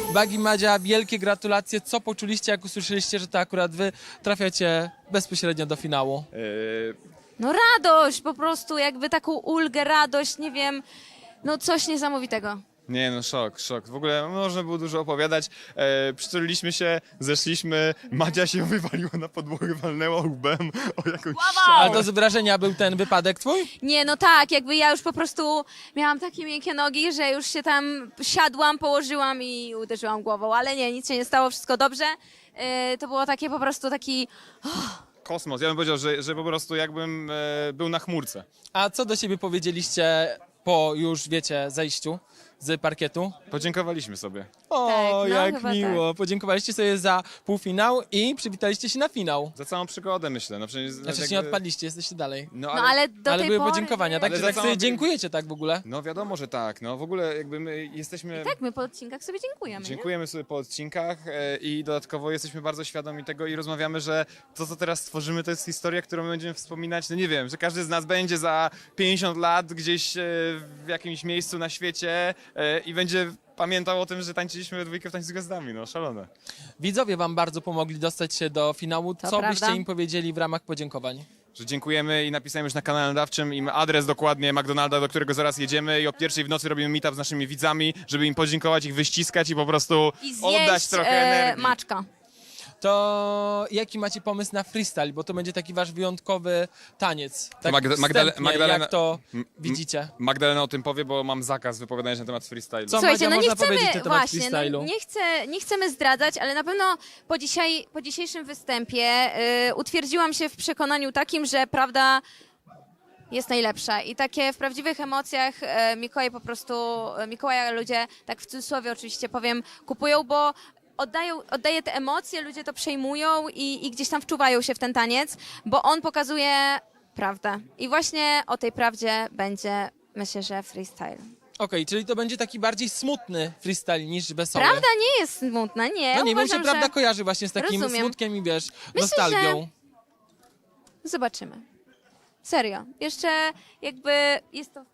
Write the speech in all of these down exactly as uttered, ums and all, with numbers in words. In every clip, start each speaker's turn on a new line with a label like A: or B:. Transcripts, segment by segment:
A: Bagi, Madzia, wielkie gratulacje. Co poczuliście, jak usłyszeliście, że to akurat wy trafiacie bezpośrednio do finału?
B: Yy,
C: No radość, po prostu jakby taką ulgę, radość, nie wiem, no coś niesamowitego.
B: Nie no, szok, szok. W ogóle można było dużo opowiadać. E, przyczuliliśmy się, zeszliśmy, Madzia się wywaliła na podłogę, walnęła łbem o jakąś
A: Ale
B: ścianę.
A: to z wrażenia był ten wypadek twój?
C: Nie, no tak, jakby ja już po prostu miałam takie miękkie nogi, że już się tam siadłam, położyłam i uderzyłam głową, ale nie, nic się nie stało, wszystko dobrze. Yy, to było takie po prostu taki...
B: Kosmos. Ja bym powiedział, że, że po prostu jakbym e, był na chmurce.
A: A co do siebie powiedzieliście po już, wiecie, zejściu z parkietu?
B: Podziękowaliśmy sobie.
A: O,
C: Tak, no,
A: jak
C: chyba
A: miło. Podziękowaliście sobie za półfinał i przywitaliście się na finał.
B: Za całą przygodę, myślę. No przecież,
A: Znaczy
B: jakby-
A: nie odpadliście, jesteście dalej.
B: No
C: No
B: ale,
C: ale do
A: Ale
C: tej
A: były
C: pory...
A: podziękowania, tak?
B: Ale
A: Że
B: za
A: tak sobie
B: całą-
A: dziękujecie tak w ogóle?
B: no wiadomo, że tak. No w ogóle jakby my jesteśmy...
C: Tak, my po odcinkach sobie dziękujemy, nie?
B: Dziękujemy sobie po odcinkach e, i dodatkowo jesteśmy bardzo świadomi tego i rozmawiamy, że to, co teraz stworzymy, to jest historia, którą my będziemy wspominać, no nie wiem, że każdy z nas będzie za pięćdziesiąt lat gdzieś e, w jakimś miejscu na świecie e, i będzie pamiętał o tym, że tańczyliśmy we dwójkę w Tańcu z Gwiazdami, no szalone.
A: Widzowie wam bardzo pomogli dostać się do finału.
C: To
A: Co
C: prawda.
A: byście im powiedzieli w ramach podziękowań?
B: Że dziękujemy i napisałem już na kanale nadawczym im adres dokładnie McDonalda, do którego zaraz jedziemy i o pierwszej w nocy robimy meetup z naszymi widzami, żeby im podziękować, ich wyściskać i po prostu
C: I
B: oddać
C: zjeść
B: trochę
C: e,
B: energii.
C: maczka.
A: To jaki macie pomysł na freestyle? Bo to będzie taki wasz wyjątkowy taniec. Tak
B: Magda- Magdale-
A: wstępnie,
B: Magdalena-
A: jak to
B: M-
A: widzicie?
B: Magdalena o tym powie, bo mam zakaz wypowiadania się na temat freestylu.
A: Co?
C: Słuchajcie,
A: Madzia,
C: no nie
A: można powiedzieć na
C: chcemy,
A: temat
C: właśnie, no
A: freestylu?
C: nie, chcę, nie chcemy zdradzać, ale na pewno po, dzisiaj, po dzisiejszym występie y, utwierdziłam się w przekonaniu takim, że prawda jest najlepsza i takie w prawdziwych emocjach e, Mikołaj po prostu, e, Mikołaja ludzie, tak w cudzysłowie oczywiście powiem, kupują, bo oddają, oddaje te emocje, ludzie to przejmują i, i gdzieś tam wczuwają się w ten taniec, bo on pokazuje prawdę. I właśnie o tej prawdzie będzie, myślę, że freestyle.
A: Okej, czyli to będzie taki bardziej smutny freestyle niż wesoły.
C: Prawda nie jest smutna, nie.
A: No nie, mi się
C: Uważam,
A: prawda
C: że...
A: kojarzy właśnie z takim
C: Rozumiem.
A: smutkiem i wiesz,
C: Myślę,
A: nostalgią.
C: Zobaczymy. Serio. Jeszcze jakby jest to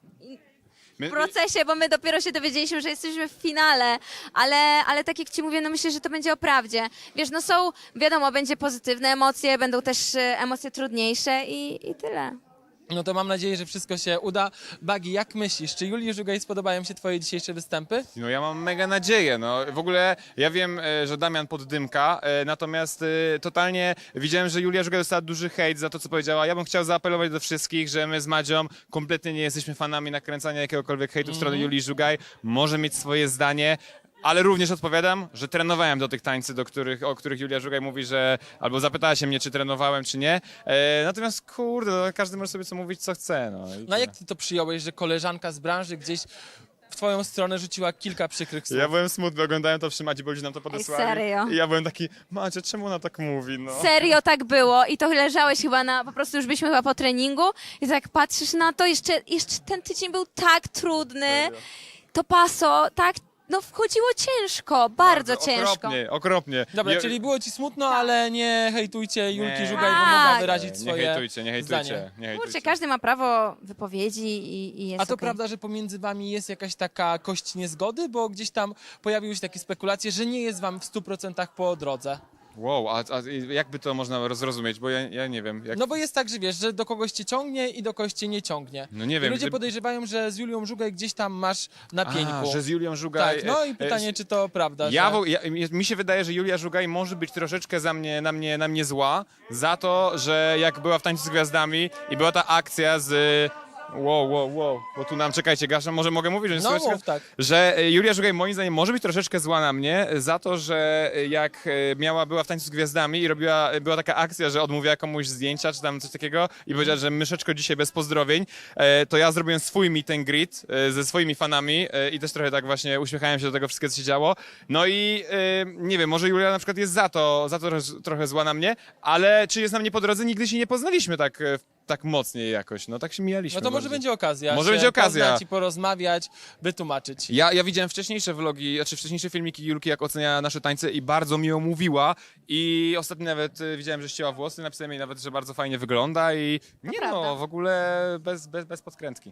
B: My-
C: w procesie, bo my dopiero się dowiedzieliśmy, że jesteśmy w finale, ale, ale tak jak ci mówię, no myślę, że to będzie o prawdzie. Wiesz, no są, wiadomo, będzie pozytywne emocje, będą też e, emocje trudniejsze i, i tyle.
A: No to mam nadzieję, że wszystko się uda. Bagi, jak myślisz, czy Julii Żugaj spodobają się twoje dzisiejsze występy?
B: No ja mam mega nadzieję, no w ogóle ja wiem, e, że Damian poddymka, e, natomiast e, totalnie widziałem, że Julia Żugaj dostała duży hejt za to, co powiedziała. Ja bym chciał zaapelować do wszystkich, że my z Madzią kompletnie nie jesteśmy fanami nakręcania jakiegokolwiek hejtu w stronę Julii Żugaj. Może mieć swoje zdanie. Ale również odpowiadam, że trenowałem do tych tańcy, do których, o których Julia Żugaj mówi, że albo zapytała się mnie, czy trenowałem, czy nie. E, natomiast kurde, no, każdy może sobie co mówić, co chce. No, i
A: No a
B: tyle.
A: jak ty to przyjąłeś, że koleżanka z branży gdzieś w twoją stronę rzuciła kilka przykrych słów?
B: Ja byłem smutny, oglądałem to przy Madzi, bo ludzie nam to podesłali.
C: serio?
B: I ja byłem taki, Macie, czemu ona tak mówi, no?
C: Serio tak było i to leżałeś chyba na, po prostu już byliśmy chyba po treningu i tak patrzysz na to, jeszcze, jeszcze ten tydzień był tak trudny,
B: Serio.
C: to paso, tak, no wchodziło ciężko, bardzo, ciężko.
B: Okropnie, okropnie.
A: Dobra,
B: Je-
A: czyli było ci smutno, ale nie hejtujcie Julki
B: Nie.
A: Żugaj, bo mogła
C: Tak.
A: wyrazić
B: Nie
A: swoje
B: hejtujcie, nie hejtujcie,
A: zdanie.
B: nie hejtujcie.
C: Kurczę, każdy ma prawo wypowiedzi i, i jest
A: A to
C: okej.
A: prawda, że pomiędzy wami jest jakaś taka kość niezgody? Bo gdzieś tam pojawiły się takie spekulacje, że nie jest wam w stu procentach po drodze.
B: Wow, a, a jakby to można zrozumieć, bo ja, ja nie wiem. Jak...
A: No bo jest tak, że wiesz, że do kogoś cię ciągnie i do kogoś cię nie ciągnie.
B: No nie
A: I
B: wiem,
A: ludzie
B: gdyby-
A: podejrzewają, że z Julią Żugaj gdzieś tam masz na pieńku.
B: A, że z Julią Żugaj...
A: Tak, no i
B: e,
A: pytanie,
B: e,
A: czy to prawda,
B: Ja,
A: że...
B: wo- ja, mi się wydaje, że Julia Żugaj może być troszeczkę za mnie, na, mnie, na mnie zła za to, że jak była w Tańcu z Gwiazdami i była ta akcja z... Wow, wow, wow, bo tu nam, czekajcie, Gasza, może mogę mówić, że nie
A: No
B: słychać?
A: mów, tak.
B: Że e, Julia Żugaj moim zdaniem może być troszeczkę zła na mnie za to, że e, jak e, miała, była w Tańcu z Gwiazdami i robiła, była taka akcja, że odmówiła komuś zdjęcia czy tam coś takiego i powiedziała, że myszeczko dzisiaj bez pozdrowień, e, to ja zrobiłem swój meet and greet e, ze swoimi fanami e, i też trochę tak właśnie uśmiechałem się do tego wszystkiego, co się działo. No i e, nie wiem, może Julia na przykład jest za to, za to trochę- trochę zła na mnie, ale czy jest na mnie po drodze? Nigdy się nie poznaliśmy tak, e, tak mocniej jakoś, no tak się mijaliśmy.
A: No to może
B: bardziej.
A: będzie okazja.
B: Może
A: się
B: będzie okazja.
A: poznać i porozmawiać, wytłumaczyć.
B: Ja, ja widziałem wcześniejsze vlogi, znaczy wcześniejsze filmiki Julki, jak ocenia nasze tańce i bardzo miło mówiła i ostatnio nawet y, widziałem, że ścięła włosy, napisałem jej nawet, że bardzo fajnie wygląda i nie
C: prawda.
B: no, w ogóle bez, bez, bez podkrętki.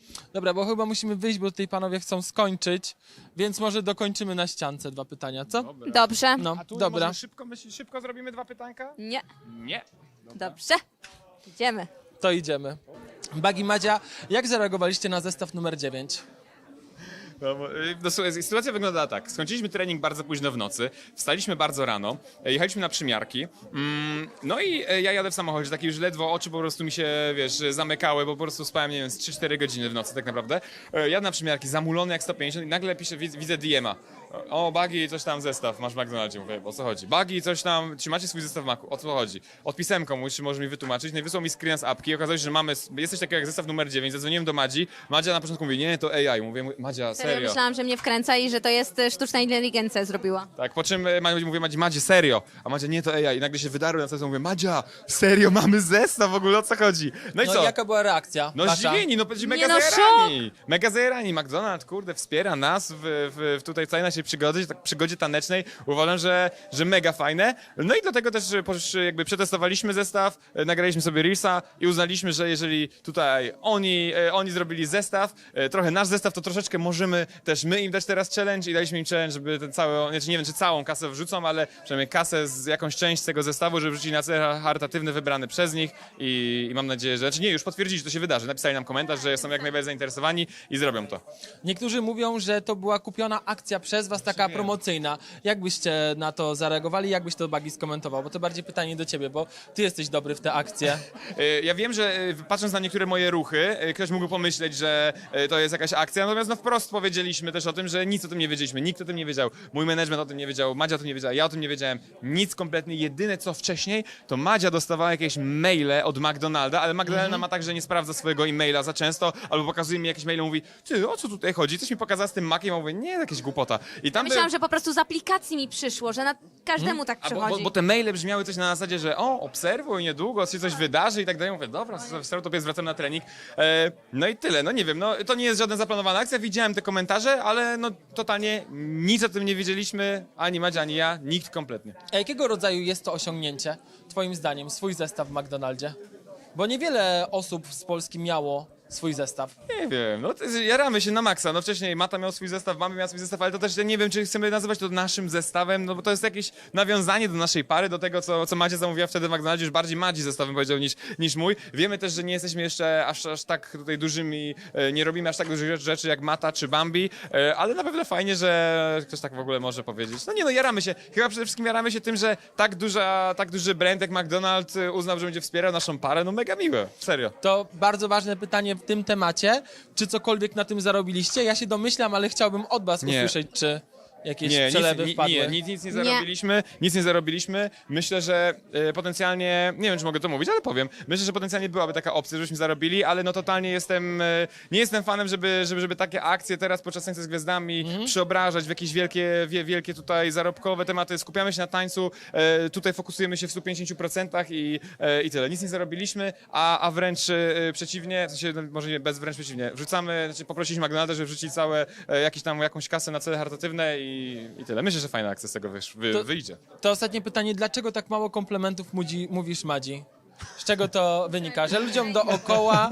A: Dobra, bo chyba musimy wyjść, bo tutaj panowie chcą skończyć, więc może dokończymy na ściance dwa pytania, co?
C: Dobrze.
A: No,
B: A tu
A: dobra.
B: może szybko, myślisz, szybko zrobimy dwa pytanka?
C: Nie.
B: Nie.
C: Dobrze. Idziemy.
A: To idziemy. Bagi, Madzia, jak zareagowaliście na zestaw numer dziewięć?
B: No, bo, y, no, słuchaj, sytuacja wyglądała tak. Skończyliśmy trening bardzo późno w nocy, wstaliśmy bardzo rano, e, jechaliśmy na przymiarki, mm, no i e, ja jadę w samochodzie, taki już ledwo oczy po prostu mi się, wiesz, zamykały, bo po prostu spałem, nie wiem, z trzy cztery godziny w nocy tak naprawdę. E, jadę na przymiarki, zamulony jak sto pięćdziesiąt i nagle piszę, widzę, widzę D M a. O, Bagi, coś tam zestaw, masz w McDonaldzie, mówię, o co chodzi? Bagi, coś tam, czy macie swój zestaw w Macu, o co chodzi? Odpisałem komuś, czy może mi wytłumaczyć, no i wysłał mi screen z apki i okazało się, że mamy, jest coś takiego jak zestaw numer dziewięć, zadzwoniłem do Madzi, Madzia na początku mówi, nie, to A I, mówię, Madzia,
C: Serio?
B: serio.
C: Myślałam, że mnie wkręca i że to jest e, sztuczna inteligencja zrobiła.
B: Tak, po czym e, Madzia mówię, Madzi, Madzie, serio, a Madzia, nie, to A I i nagle się wydarły na co mówię, Madzia, serio, mamy zestaw w ogóle, o co chodzi? No i
A: No
B: co?
A: i jaka była reakcja
B: No
A: wasza?
B: zdziwieni, no przecież mega
C: no,
B: zajarani. Mega zajarani. McDonald's, kurde, wspiera nas w, w, w tutaj w całej naszej przygody, tak przygodzie tanecznej. Uważam, że, że mega fajne. No i dlatego też e, posz- jakby przetestowaliśmy zestaw, e, nagraliśmy sobie Reelsa i uznaliśmy, że jeżeli tutaj oni, e, oni zrobili zestaw, e, trochę nasz zestaw, to troszeczkę możemy też my im dać teraz challenge i daliśmy im challenge, żeby ten cały, znaczy nie wiem, czy całą kasę wrzucą, ale przynajmniej kasę z jakąś część tego zestawu, żeby wrzucili na cel charytatywny wybrany przez nich i, i mam nadzieję, że, znaczy nie, już potwierdzili, że to się wydarzy. Napisali nam komentarz, że są jak najbardziej zainteresowani i zrobią to.
A: Niektórzy mówią, że to była kupiona akcja przez was, taka promocyjna. Jak byście na to zareagowali? Jak byś to, Bagi, skomentował? Bo to bardziej pytanie do ciebie, bo ty jesteś dobry w te akcje.
B: E, Ja wiem, że e, patrząc na niektóre moje ruchy, e, ktoś mógł pomyśleć, że e, to jest jakaś akcja, natomiast no wprost powiedzieliśmy też o tym, że nic o tym nie wiedzieliśmy, nikt o tym nie wiedział, mój management o tym nie wiedział, Madzia o tym nie wiedziała, ja o tym nie wiedziałem, nic kompletnie. Jedyne co wcześniej, to Madzia dostawała jakieś maile od McDonalda, ale McDonalda ma tak, że nie sprawdza swojego e-maila za często, albo pokazuje mi jakieś maile i mówi, ty, o co tutaj chodzi? Coś mi pokazała z tym Maciem, a mówię, nie, jakieś głupota. I tam
C: Myślałam,
B: by-
C: że po prostu z aplikacji mi przyszło, że na każdemu tak
B: A bo,
C: przychodzi.
B: bo, bo te maile brzmiały coś na zasadzie, że o, obserwuj, niedługo się coś wydarzy i tak dalej. Mówię, dobra, to zwracam na trening. E, no i tyle, no nie wiem, no to nie jest żadna zaplanowana akcja, widziałem te komentarze, ale no totalnie nic o tym nie wiedzieliśmy, ani Madzia, ani ja, nikt kompletnie.
A: A jakiego rodzaju jest to osiągnięcie, twoim zdaniem, swój zestaw w McDonaldzie? Bo niewiele osób z Polski miało swój zestaw.
B: Nie wiem, no to jest, jaramy się na maksa. No wcześniej Mata miał swój zestaw, mamy miała swój zestaw, ale to też ja nie wiem, czy chcemy nazywać to naszym zestawem, no bo to jest jakieś nawiązanie do naszej pary, do tego, co, co Madzia zamówiła wtedy w McDonaldzie, już bardziej Madzi zestawem powiedział niż, niż mój. Wiemy też, że nie jesteśmy jeszcze aż, aż tak tutaj dużymi, e, nie robimy aż tak dużych rzeczy jak Mata czy Bambi, e, ale na pewno fajnie, że ktoś tak w ogóle może powiedzieć. No nie no, jaramy się. Chyba przede wszystkim jaramy się tym, że tak duża, tak duży brand jak McDonald's e, uznał, że będzie wspierał naszą parę, no mega miłe, serio.
A: To bardzo ważne pytanie w tym temacie. Czy cokolwiek na tym zarobiliście? Ja się domyślam, ale chciałbym od was
B: Nie.
A: usłyszeć, czy jakieś
B: Nie,
A: przelewy
B: nic,
A: wpadły.
B: nie, nic, nic nie
C: Nie.
B: zarobiliśmy, nic nie zarobiliśmy. Myślę, że e, potencjalnie, nie wiem czy mogę to mówić, ale powiem, myślę, że potencjalnie byłaby taka opcja, żebyśmy zarobili, ale no totalnie jestem, e, nie jestem fanem, żeby, żeby, żeby takie akcje teraz podczas Tańca z Gwiazdami przeobrażać w jakieś wielkie, wie, wielkie tutaj zarobkowe tematy. Skupiamy się na tańcu, e, tutaj fokusujemy się w stu pięćdziesięciu procentach i, e, i tyle. Nic nie zarobiliśmy, a, a wręcz e, przeciwnie, w sensie, no, może nie, bez wręcz przeciwnie, wrzucamy, znaczy poprosiliśmy McDonalda, żeby wrzucić całe, e, jakieś tam, jakąś kasę na cele charytatywne i, i tyle. Myślę, że fajna akcja z tego wysz, wy,
A: To-
B: wyjdzie.
A: To ostatnie pytanie, dlaczego tak mało komplementów mudzi, mówisz Madzi? Z czego to wynika? Że ludziom dookoła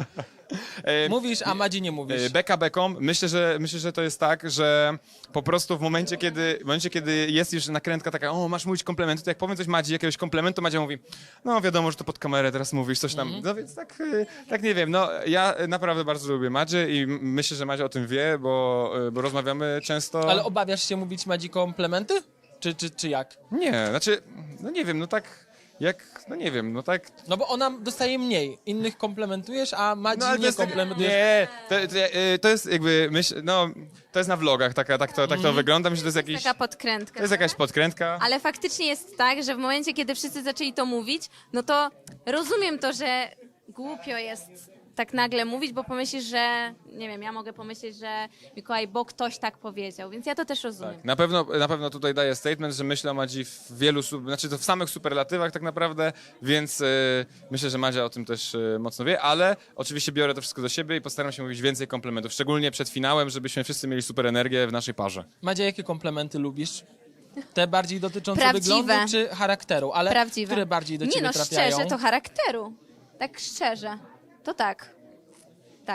B: E,
A: mówisz, a Madzi nie mówisz.
B: E, Beka beką, myślę, że myślę, że to jest tak, że po prostu w momencie, kiedy, w momencie, kiedy jest już nakrętka taka, o, masz mówić komplementu, to jak powiem coś Madzi, jakiegoś komplementu, Madzia mówi, no wiadomo, że to pod kamerę teraz mówisz, coś tam, no więc tak, e, tak nie wiem, no ja naprawdę bardzo lubię Madzie i m- myślę, że Madzia o tym wie, bo, e, bo rozmawiamy często.
A: Ale obawiasz się mówić Madzi komplementy? Czy, czy, czy jak?
B: Nie, znaczy, no nie wiem, no tak, jak, no nie wiem, no tak.
A: No bo ona dostaje mniej. Innych komplementujesz, a Madzi
B: No, ale to
A: nie
B: jest tak-
A: komplementujesz.
B: Nie, to, to, e, to jest jakby, myśl, no, to jest na vlogach, taka, tak, to, tak to wygląda, myślę, że to jest jakiś,
C: Taka podkrętka.
B: to jest jakaś podkrętka.
C: Ale faktycznie jest tak, że w momencie, kiedy wszyscy zaczęli to mówić, no to rozumiem to, że głupio jest tak nagle mówić, bo pomyślisz, że, nie wiem, ja mogę pomyśleć, że Mikołaj, bo ktoś tak powiedział, więc ja to też rozumiem.
B: Na pewno, na pewno tutaj daję statement, że myślę o Madzi w wielu, su- znaczy to w samych superlatywach tak naprawdę, więc e, myślę, że Madzia o tym też e, mocno wie, ale oczywiście biorę to wszystko do siebie i postaram się mówić więcej komplementów, szczególnie przed finałem, żebyśmy wszyscy mieli super energię w naszej parze.
A: Madzia, jakie komplementy lubisz? Te bardziej dotyczące
C: Prawdziwe.
A: wyglądu czy charakteru? Ale
C: Prawdziwe.
A: które bardziej do
C: Nie
A: ciebie
C: no,
A: trafiają?
C: szczerze, to charakteru. Tak szczerze. To tak. Tak.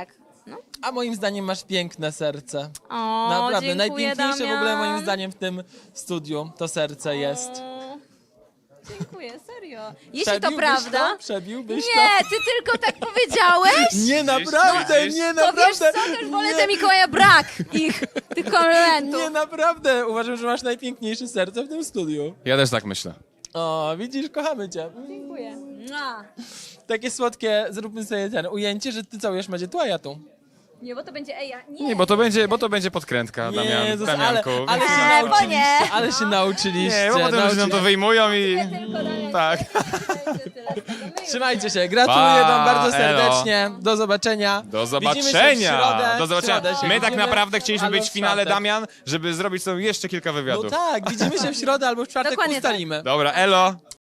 A: A moim zdaniem masz piękne serce.
C: O,
A: Naprawdę,
C: dziękuję,
A: najpiękniejsze
C: Damian.
A: w ogóle moim zdaniem w tym studiu to serce jest.
C: O, dziękuję, serio. Jeśli to
A: Przebiłbyś
C: prawda...
A: To? Przebiłbyś
C: Nie, ty tylko tak powiedziałeś?
A: to? Nie, naprawdę,
B: widzisz?
A: nie,
C: To wiesz
A: naprawdę.
C: co, też wolę
A: nie,
C: te Mikołaja brak ich, tych komplementów.
A: nie, naprawdę. Uważam, że masz najpiękniejsze serce w tym studiu.
B: Ja też tak myślę.
A: O, widzisz, kochamy cię.
C: Dziękuję. Mua.
A: Takie słodkie, zróbmy sobie ten ujęcie, że ty całujesz Madzie tu, a ja tu.
C: Nie, bo to będzie Eja. Nie,
B: Nie, bo to będzie, bo to będzie podkrętka, Damian,
A: Jezus, ale,
B: Damianku.
A: ale się
C: Eee, bo
A: nauczyliście,
C: nie.
A: ale się nauczyliście.
B: Nie, bo potem ludzie nam to wyjmują i...
C: tylko Damian.
B: Tak.
C: Będzie tyle z tego. My już-
A: Trzymajcie się, gratuluję
B: Pa,
A: wam bardzo
B: elo.
A: serdecznie, do zobaczenia.
B: Do
A: Widzimy się w
B: zobaczenia!
A: środę,
B: Do
A: w środę
B: zobaczenia.
A: się
B: My tak
A: widzimy,
B: naprawdę chcieliśmy
A: albo
B: być w
A: w
B: finale,
A: czwartek.
B: Damian, żeby zrobić sobie jeszcze kilka
A: No
B: wywiadów.
A: tak, widzimy się w środę albo w czwartek
C: Dokładnie tak.
A: ustalimy.
B: Dobra, elo!